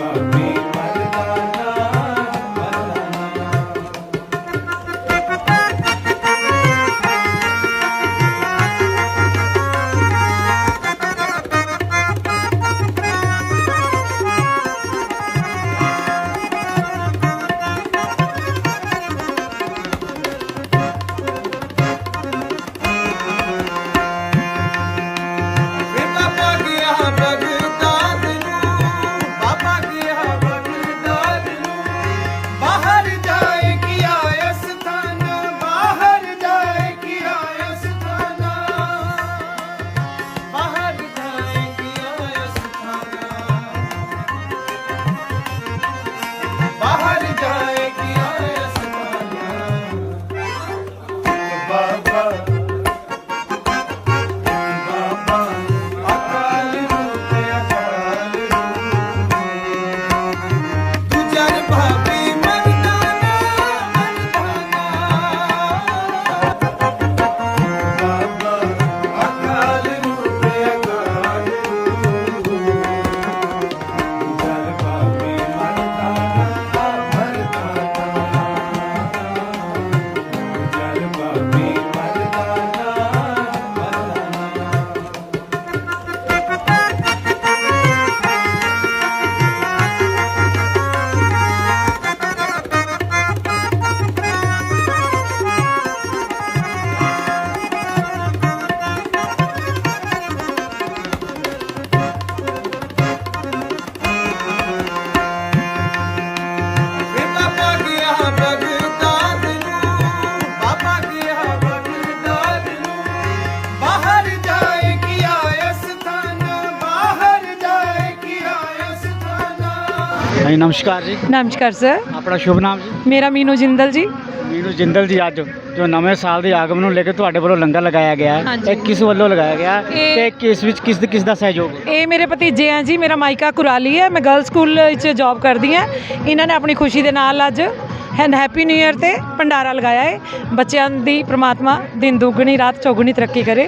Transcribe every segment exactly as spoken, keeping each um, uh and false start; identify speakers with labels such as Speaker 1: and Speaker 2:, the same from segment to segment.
Speaker 1: जी नमस्कार जी।
Speaker 2: नमस्कार सर।
Speaker 1: अपना शुभ नाम जी?
Speaker 2: मेरा मीनू जिंदल जी।
Speaker 1: मीनू जिंदल जी, ਅੱਜ ਜੋ ਨਵੇਂ ਸਾਲ ਦੇ ਆਗਮਨ ਨੂੰ ਲੈ ਕੇ ਤੁਹਾਡੇ ਵੱਲੋਂ ਲੰਗਰ ਲਗਾਇਆ ਗਿਆ ਹੈ, ਇਹ ਕਿਸ ਵੱਲੋਂ ਲਗਾਇਆ ਗਿਆ ਤੇ ਕਿਸ ਵਿੱਚ ਕਿਸ ਕਿਸ ਦਾ ਸਹਿਯੋਗ?
Speaker 2: ਇਹ ਮੇਰੇ ਭਤੀਜੇ ਆ ਜੀ, ਮੇਰਾ ਮਾਇਕਾ ਕੁਰਾਲੀ ਹੈ, ਮੈਂ ਗਰਲ ਸਕੂਲ ਵਿੱਚ ਜੌਬ ਕਰਦੀ ਹਾਂ। ਇਹਨਾਂ ਨੇ ਆਪਣੀ ਖੁਸ਼ੀ ਦੇ ਨਾਲ ਅੱਜ ਹੈਪੀ ਨਿਊ ਈਅਰ ਤੇ ਭੰਡਾਰਾ ਲਗਾਇਆ ਹੈ। ਬੱਚਿਆਂ ਦੀ ਪ੍ਰਮਾਤਮਾ ਦਿਨ ਦੁੱਗਣੀ ਰਾਤ ਚੌਗੁਣੀ ਤਰੱਕੀ ਕਰੇ,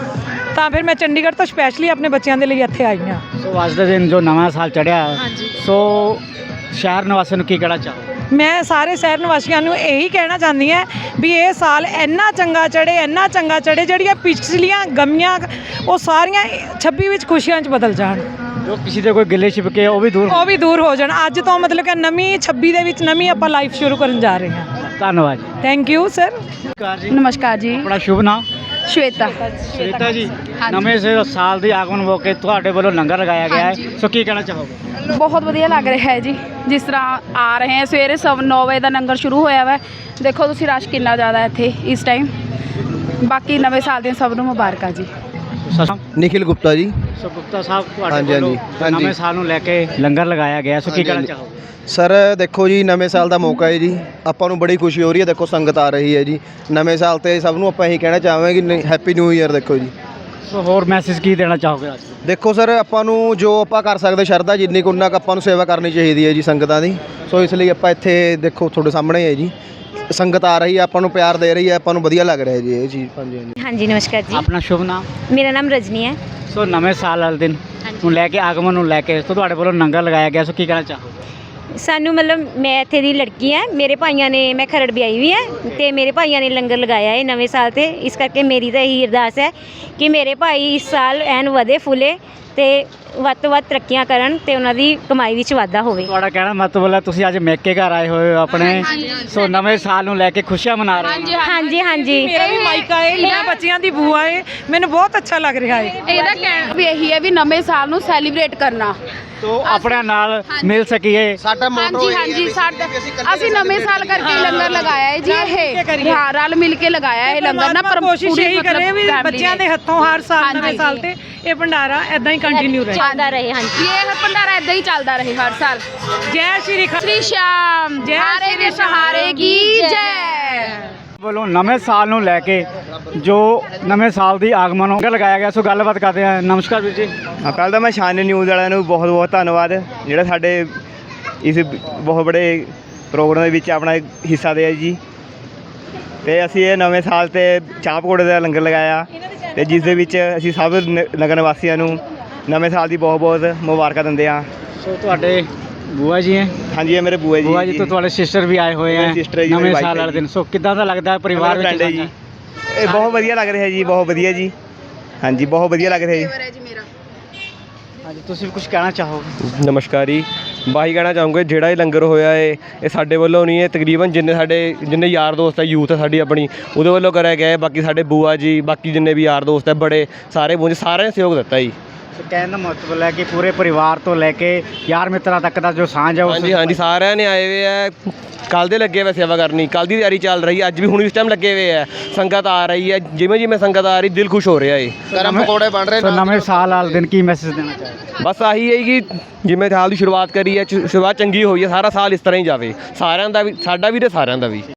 Speaker 2: ਤਾਂ ਫਿਰ ਮੈਂ ਚੰਡੀਗੜ੍ਹ ਤੋਂ ਸਪੈਸ਼ਲੀ ਆਪਣੇ ਬੱਚਿਆਂ ਦੇ ਲਈ ਇੱਥੇ ਆਈ ਹਾਂ।
Speaker 1: ਸੋ ਅੱਜ ਦੇ ਦਿਨ ਜੋ ਨਵਾਂ ਸਾਲ ਚੜ੍ਹਿਆ, ਸੋ ਸ਼ਹਿਰ ਨਿਵਾਸੀਆਂ ਨੂੰ ਕੀ ਕਹਿਣਾ ਚਾਹੋ?
Speaker 2: ਮੈਂ ਸਾਰੇ ਸ਼ਹਿਰ ਨਿਵਾਸੀਆਂ ਨੂੰ ਇਹੀ ਕਹਿਣਾ ਚਾਹੁੰਦੀ ਹਾਂ ਵੀ ਇਹ ਸਾਲ ਇੰਨਾ ਚੰਗਾ ਚੜ੍ਹੇ, ਇੰਨਾ ਚੰਗਾ ਚੜ੍ਹੇ, ਜਿਹੜੀਆਂ ਪਿਛਲੀਆਂ ਗਮੀਆਂ ਉਹ ਸਾਰੀਆਂ ਛੱਬੀ ਵਿੱਚ ਖੁਸ਼ੀਆਂ 'ਚ ਬਦਲ ਜਾਣ।
Speaker 1: ਜੋ ਕਿਸੇ ਦੇ ਕੋਈ ਗਿਲੇ ਛਿਪਕੇ ਉਹ ਵੀ ਦੂਰ
Speaker 2: ਉਹ ਵੀ ਦੂਰ ਹੋ ਜਾਣ। ਅੱਜ ਤੋਂ ਮਤਲਬ ਕਿ ਨਵੀਂ ਛੱਬੀ ਦੇ ਵਿੱਚ ਨਵੀਂ ਆਪਾਂ ਲਾਈਫ ਸ਼ੁਰੂ ਕਰਨ ਜਾ ਰਹੇ ਹਾਂ।
Speaker 1: ਧੰਨਵਾਦ।
Speaker 2: Thank you sir.
Speaker 3: ਨਮਸਕਾਰ ਜੀ।
Speaker 1: ਆਪਣਾ ਸ਼ੁਭ ਨਾਮ?
Speaker 3: ਸ਼ਵੇਤਾ।
Speaker 1: ਸ਼ਵੇਤਾ ਜੀ, ਨਵੇਂ ਸਾਲ ਦੇ ਆਗਮਨ ਮੌਕੇ ਤੁਹਾਡੇ ਵੱਲੋਂ ਲੰਗਰ ਲਗਾਇਆ ਗਿਆ ਹੈ, ਸੋ ਕੀ ਕਹਿਣਾ ਚਾਹੋਗੇ?
Speaker 3: ਬਹੁਤ ਵਧੀਆ ਲੱਗ ਰਿਹਾ ਹੈ ਜੀ, ਜਿਸ ਤਰ੍ਹਾਂ ਆ ਰਹੇ ਹੈ ਸਵੇਰੇ ਸਭ ਨੌ ਵਜੇ ਦਾ ਲੰਗਰ ਸ਼ੁਰੂ ਹੋਇਆ ਵਾ। ਦੇਖੋ ਤੁਸੀਂ ਰਸ਼ ਕਿੰਨਾ ਜ਼ਿਆਦਾ ਇੱਥੇ ਇਸ ਟਾਈਮ। ਬਾਕੀ ਨਵੇਂ ਸਾਲ ਦੀਆਂ ਸਭ ਨੂੰ ਮੁਬਾਰਕਾਂ ਜੀ।
Speaker 4: ਨਿਖਿਲ ਗੁਪਤਾ ਜੀ।
Speaker 1: ਸੋ ਗੁਪਤਾ ਸਾਹਿਬ, ਤੁਹਾਡੇ ਵੱਲੋਂ ਨਵੇਂ ਸਾਲ ਨੂੰ ਲੈ ਕੇ ਲੰਗਰ ਲਗਾਇਆ ਗਿਆ, ਸੋ ਕੀ ਕਹਿਣਾ ਚਾਹੋਗੇ?
Speaker 4: ਸਰ ਦੇਖੋ ਜੀ, ਨਵੇਂ ਸਾਲ ਦਾ ਮੌਕਾ ਹੈ ਜੀ, ਆਪਾਂ ਨੂੰ ਬੜੀ ਖੁਸ਼ੀ ਹੋ ਰਹੀ ਹੈ। ਦੇਖੋ ਸੰਗਤ ਆ ਰਹੀ ਹੈ ਜੀ ਨਵੇਂ ਸਾਲ 'ਤੇ, ਸਭ ਨੂੰ ਆਪਾਂ ਇਹੀ ਕਹਿਣਾ ਚਾਹਾਂਗੇ ਕਿ ਹੈਪੀ ਨਿਊ ਈਅਰ। ਦੇਖੋ ਜੀ,
Speaker 1: ਸੋ ਹੋਰ ਮੈਸੇਜ ਕੀ ਦੇਣਾ ਚਾਹੋਗੇ ਅੱਜ?
Speaker 4: ਦੇਖੋ ਸਰ, ਆਪਾਂ ਨੂੰ ਜੋ ਆਪਾਂ ਕਰ ਸਕਦੇ ਸ਼ਰਧਾ ਜਿੰਨੀ ਕੁ ਉਨਾ ਕੁ ਆਪਾਂ ਨੂੰ ਸੇਵਾ ਕਰਨੀ ਚਾਹੀਦੀ ਹੈ ਜੀ ਸੰਗਤਾਂ ਦੀ। ਸੋ ਇਸ ਲਈ ਆਪਾਂ ਇੱਥੇ ਦੇਖੋ ਤੁਹਾਡੇ ਸਾਹਮਣੇ ਹੈ ਜੀ, ਸੰਗਤ ਆ ਰਹੀ ਹੈ, ਆਪਾਂ ਨੂੰ ਪਿਆਰ ਦੇ ਰਹੀ ਹੈ, ਆਪਾਂ ਨੂੰ ਵਧੀਆ ਲੱਗ ਰਿਹਾ ਜੀ ਇਹ ਚੀਜ਼। ਹਾਂਜੀ ਹਾਂਜੀ
Speaker 5: ਹਾਂਜੀ ਨਮਸਕਾਰ ਜੀ।
Speaker 1: ਆਪਣਾ ਸ਼ੁਭ ਨਾਮ?
Speaker 5: ਮੇਰਾ ਨਾਮ ਰਜਨੀ ਹੈ।
Speaker 1: ਸੋ ਨਵੇਂ ਸਾਲ ਵਾਲੇ ਦਿਨ ਨੂੰ ਲੈ ਕੇ ਆਗਮਨ ਨੂੰ ਲੈ ਕੇ ਸੋ ਤੁਹਾਡੇ ਵੱਲੋਂ ਲੰਗਰ ਲਗਾਇਆ ਗਿਆ, ਸੋ ਕੀ ਕਹਿਣਾ ਚਾਹੋਗੇ?
Speaker 5: ਸਾਨੂੰ ਮਤਲਬ ਮੈਂ ਇੱਥੇ ਦੀ ਲੜਕੀ ਹਾਂ, ਮੇਰੇ ਭਾਈਆਂ ਨੇ, ਮੈਂ ਖਰੜ ਵੀ ਆਈ ਵੀ ਹੈ ਅਤੇ ਮੇਰੇ ਭਾਈਆਂ ਨੇ ਲੰਗਰ ਲਗਾਇਆ ਹੈ ਨਵੇਂ ਸਾਲ 'ਤੇ। ਇਸ ਕਰਕੇ ਮੇਰੀ ਤਾਂ ਇਹੀ ਅਰਦਾਸ ਹੈ ਕਿ ਮੇਰੇ ਭਾਈ ਇਸ ਸਾਲ ਐਨ ਵਧੇ ਫੁੱਲੇ ਅਤੇ ਵੱਧ ਤੋਂ ਵੱਧ ਤਰੱਕੀਆਂ ਕਰਨ ਅਤੇ ਉਹਨਾਂ ਦੀ ਕਮਾਈ ਵਿੱਚ ਵਾਧਾ ਹੋਵੇ।
Speaker 1: ਤੁਹਾਡਾ ਕਹਿਣਾ ਮਤਲਬ ਹੈ ਤੁਸੀਂ ਅੱਜ ਮੇਕੇ ਘਰ ਆਏ ਹੋਏ ਹੋ ਆਪਣੇ, ਸੋ ਨਵੇਂ ਸਾਲ ਨੂੰ ਲੈ ਕੇ ਖੁਸ਼ੀਆਂ ਮਨਾ ਰਹੇ ਹੋ?
Speaker 5: ਹਾਂਜੀ ਹਾਂਜੀ।
Speaker 2: ਮੇਰਾ ਵੀ ਮਾਇਕਾ ਹੈ, ਮੈਂ ਬੱਚਿਆਂ ਦੀ ਬੂਆ ਹੈ, ਮੈਨੂੰ ਬਹੁਤ ਅੱਛਾ ਲੱਗ ਰਿਹਾ ਹੈ।
Speaker 3: ਇਹਦਾ ਕਹਿਣਾ ਵੀ ਇਹੀ ਹੈ ਵੀ ਨਵੇਂ ਸਾਲ ਨੂੰ ਸੈਲੀਬ੍ਰੇਟ ਕਰਨਾ,
Speaker 1: ਤੋ ਆਪਣੇ ਨਾਲ ਮਿਲ ਸਕੀਏ।
Speaker 4: ਸਾਡਾ
Speaker 3: ਹਾਂਜੀ ਹਾਂਜੀ। ਸਾਡਾ ਅਸੀਂ ਨਵੇਂ ਸਾਲ ਕਰਕੇ ਲੰਗਰ ਲਗਾਇਆ ਹੈ ਜੀ, ਇਹ ਹਾਂ ਰਲ ਮਿਲ ਕੇ ਲਗਾਇਆ ਇਹ ਲੰਗਰ ਨਾ। ਪਰ
Speaker 2: ਕੋਸ਼ਿਸ਼ ਇਹੀ ਕਰੇ ਵੀ ਬੱਚਿਆਂ ਦੇ ਹੱਥੋਂ ਹਰ ਸਾਲ ਨਵੇਂ ਸਾਲ ਤੇ ਇਹ ਭੰਡਾਰਾ ਇਦਾਂ ਹੀ ਕੰਟੀਨਿਊ ਰਹੇ,
Speaker 5: ਚੱਲਦਾ ਰਹੇ। ਹਾਂਜੀ,
Speaker 3: ਇਹ ਭੰਡਾਰਾ ਇਦਾਂ ਹੀ ਚੱਲਦਾ ਰਹੇ ਹਰ ਸਾਲ।
Speaker 2: ਜੈ ਸ਼੍ਰੀ
Speaker 3: ਸ਼੍ਰੀ ਸ਼ਾਮ, ਜੈ ਦੇ ਸਹਾਰੇ ਕੀ ਜੈ।
Speaker 1: ਵੱਲੋਂ ਨਵੇਂ ਸਾਲ ਨੂੰ ਲੈ ਕੇ ਜੋ ਨਵੇਂ ਸਾਲ ਦੀ ਆਗਮਨ ਨੂੰ ਲਗਾਇਆ ਗਿਆ, ਸੋ ਗੱਲਬਾਤ ਕਰਦੇ ਹਾਂ। ਨਮਸਕਾਰ ਵੀਰ ਜੀ।
Speaker 4: ਪਹਿਲਾਂ ਤਾਂ ਮੈਂ ਸ਼ਾਨ ਨਿਊਜ਼ ਵਾਲਿਆਂ ਨੂੰ ਬਹੁਤ ਬਹੁਤ ਧੰਨਵਾਦ ਜਿਹੜਾ ਸਾਡੇ ਇਸ ਬਹੁਤ ਬੜੇ ਪ੍ਰੋਗਰਾਮ ਦੇ ਵਿੱਚ ਆਪਣਾ ਹਿੱਸਾ ਦਿਆ ਜੀ। ਅਤੇ ਅਸੀਂ ਇਹ ਨਵੇਂ ਸਾਲ 'ਤੇ ਚਾਹ ਪਕੌੜੇ ਦਾ ਲੰਗਰ ਲਗਾਇਆ, ਅਤੇ ਜਿਸ ਦੇ ਵਿੱਚ ਅਸੀਂ ਸਭ ਨਗਰ ਨਿਵਾਸੀਆਂ ਨੂੰ ਨਵੇਂ ਸਾਲ ਦੀ ਬਹੁਤ ਬਹੁਤ ਮੁਬਾਰਕਾਂ ਦਿੰਦੇ ਹਾਂ।
Speaker 1: ਸੋ ਤੁਹਾਡੇ ਬੂਆ ਜੀ ਹੈ
Speaker 4: ਹਾਂਜੀ ਇਹ ਮੇਰੇ ਬੂਆ ਜੀ
Speaker 1: ਬੂਆ ਜੀ ਤੋਂ ਤੁਹਾਡੇ ਸਿਸਟਰ ਵੀ ਆਏ ਹੋਏ
Speaker 4: ਮੇਰੇ
Speaker 1: ਹੈ
Speaker 4: sister ਹੈ ਜੀ,
Speaker 1: ਨਵੇਂ
Speaker 4: ਮੇਰੀ
Speaker 1: ਸਾਲ
Speaker 4: wife ਹੈ
Speaker 1: ਵਾਲੇ
Speaker 4: ਜੀ।
Speaker 1: ਦਿਨ। ਸੋ ਕਿੱਦਾਂ ਦਾ ਲੱਗਦਾ ਹੈ ਪਰਿਵਾਰ ਵਿੱਚ
Speaker 4: ਫਰੈਂਡ ਹੈ ਜੀ
Speaker 1: ਸਾਂਝਾ?
Speaker 4: ਇਹ ਬਹੁਤ ਵਧੀਆ ਲੱਗ ਰਿਹਾ ਜੀ, ਬਹੁਤ ਵਧੀਆ ਜੀ। ਹਾਂਜੀ ਬਹੁਤ ਵਧੀਆ ਲੱਗ ਰਿਹਾ ਜੀ।
Speaker 1: ਹਾਂਜੀ ਤੁਸੀਂ ਵੀ ਕੁਝ ਕਹਿਣਾ ਚਾਹੋਗੇ?
Speaker 6: ਨਮਸਕਾਰ ਜੀ। ਬਾਈ ਕਹਿਣਾ ਚਾਹੂੰਗਾ ਜਿਹੜਾ ਇਹ ਲੰਗਰ ਹੋਇਆ ਏ ਇਹ ਸਾਡੇ ਵੱਲੋਂ ਨਹੀਂ ਹੈ, ਤਕਰੀਬਨ ਜਿੰਨੇ ਸਾਡੇ ਜਿੰਨੇ ਯਾਰ ਦੋਸਤ ਹੈ, ਯੂਥ ਹੈ ਸਾਡੀ ਆਪਣੀ, ਉਹਦੇ ਵੱਲੋਂ ਕਰਿਆ ਗਿਆ ਹੈ। ਬਾਕੀ ਸਾਡੇ ਬੂਆ ਜੀ, ਬਾਕੀ ਜਿੰਨੇ ਵੀ ਯਾਰ ਦੋਸਤ ਹੈ ਬੜੇ ਸਾਰੇ ਪਹੁੰਚੇ, ਸਾਰਿਆਂ ਨੇ ਸਹਿਯੋਗ ਦਿੱਤਾ ਜੀ।
Speaker 1: ਸੋ ਕਹਿਣ ਦਾ ਮਤਲਬ ਹੈ ਕਿ ਪੂਰੇ ਪਰਿਵਾਰ ਤੋਂ ਲੈ ਕੇ ਯਾਰ ਮਿੱਤਰਾਂ ਤੱਕ ਦਾ ਜੋ ਸਾਂਝ ਹੈ ਉਸ
Speaker 6: ਹਾਂਜੀ ਹਾਂਜੀ ਸਾਰਿਆਂ ਨੇ ਆਏ ਹੋਏ ਹੈ। ਕੱਲ੍ਹ ਦੇ ਲੱਗੇ ਹੋਏ ਸੇਵਾ ਕਰਨੀ, ਕੱਲ੍ਹ ਦੀ ਤਿਆਰੀ ਚੱਲ ਰਹੀ ਹੈ, ਅੱਜ ਵੀ ਹੁਣ ਇਸ ਟਾਈਮ ਲੱਗੇ ਹੋਏ ਹੈ। ਸੰਗਤ ਆ ਰਹੀ ਹੈ, ਜਿਵੇਂ ਜਿਵੇਂ ਸੰਗਤ ਆ ਰਹੀ ਦਿਲ ਖੁਸ਼ ਹੋ ਰਿਹਾ ਏ।
Speaker 1: ਗਰਮ ਪਕੌੜੇ ਬਣ ਰਹੇ। ਸੋ ਨਵੇਂ ਸਾਲ ਵਾਲੇ ਦਿਨ ਕੀ ਮੈਸੇਜ ਦੇਣਾ ਚਾਹੋਗੇ?
Speaker 6: ਬਸ ਆਹੀ ਹੈ ਕਿ ਜਿਵੇਂ ਸਾਲ ਦੀ ਸ਼ੁਰੂਆਤ ਕਰੀ ਹੈ, ਸ਼ੁਰੂਆਤ ਚੰਗੀ ਹੋਈ ਹੈ, ਸਾਰਾ ਸਾਲ ਇਸ ਤਰ੍ਹਾਂ ਹੀ ਜਾਵੇ, ਸਾਰਿਆਂ ਦਾ ਵੀ, ਸਾਡਾ ਵੀ ਤੇ ਸਾਰਿਆਂ ਦਾ ਵੀ।